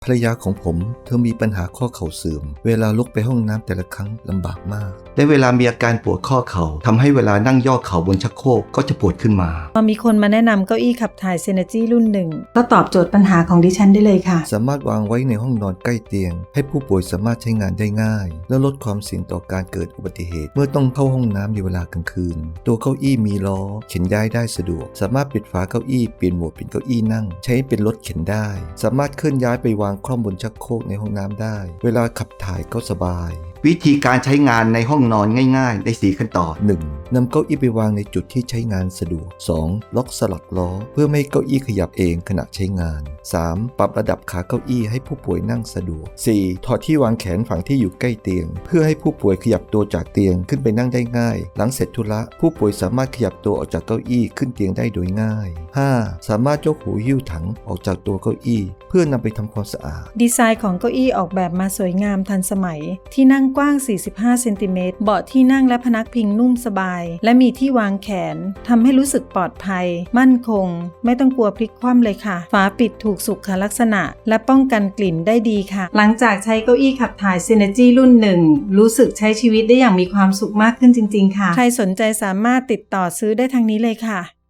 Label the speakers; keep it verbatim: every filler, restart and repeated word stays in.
Speaker 1: ภรรยาของผมเธอมีปัญหาข้อเข่าเสื่อมเวลาลุกไปห้องน้ำแต่ละครั้งลำบากมากและเวลามีอาการปวดข้อเข่าทำให้เวลานั่งย่อเข่าบนชักโครกก็จะปวดขึ้นมา
Speaker 2: พอมีคนมาแนะนำเก้าอี้ขับถ่าย Synergy รุ่นหนึ่งก็ตอบโจทย์ปัญหาของดิฉันได้เลยค่ะ
Speaker 1: สามารถวางไว้ในห้องนอนใกล้เตียงให้ผู้ป่วยสามารถใช้งานได้ง่ายและลดความเสี่ยงต่อการเกิดอุบัติเหตุเมื่อต้องเข้าห้องน้ำในเวลากลางคืนตัวเก้าอี้มีล้อเข็นย้ายได้สะดวกสามารถปิดฝาเก้าอี้เปลี่ยนโหมดเป็นเก้าอี้นั่งใช้เป็นรถเข็นได้สามารถเคลื่อนย้ายไปวางคล่อมบนชักโครกในห้องน้ำได้เวลาขับถ่ายก็สบายวิธีการใช้งานในห้องนอนง่ายๆได้สี่ขั้นตอน หนึ่ง นำเก้าอี้ไปวางในจุดที่ใช้งานสะดวก สอง ล็อกสลักล้อเพื่อไม่ให้เก้าอี้ขยับเองขณะใช้งาน สาม ปรับระดับขาเก้าอี้ให้ผู้ป่วยนั่งสะดวก สี่ ถอดที่วางแขนฝั่งที่อยู่ใกล้เตียงเพื่อให้ผู้ป่วยขยับตัวจากเตียงขึ้นไปนั่งได้ง่ายหลังเสร็จธุระผู้ป่วยสามารถขยับตัวออกจากเก้าอี้ขึ้นเตียงได้โดยง่าย ห้า สามารถยกหูหิ้วถังออกจากตัวเก้าอี้เพื่อนำไปทำความสะอาด
Speaker 2: ดีไซน์ของเก้าอี้ออกแบบมาสวยงามทันสมัยที่นั่งกว้างสี่สิบห้าเซนติเมตรเบาะที่นั่งและพนักพิงนุ่มสบายและมีที่วางแขนทำให้รู้สึกปลอดภัยมั่นคงไม่ต้องกลัวพลิกคว่ำเลยค่ะฝาปิดถูกสุขลักษณะและป้องกันกลิ่นได้ดีค่ะหลังจากใช้เก้าอี้ขับถ่าย Synergy รุ่นหนึ่งรู้สึกใช้ชีวิตได้อย่างมีความสุขมากขึ้นจริงๆค่ะใครสนใจสามารถติดต่อซื้อได้ทางนี้เลยค่ะ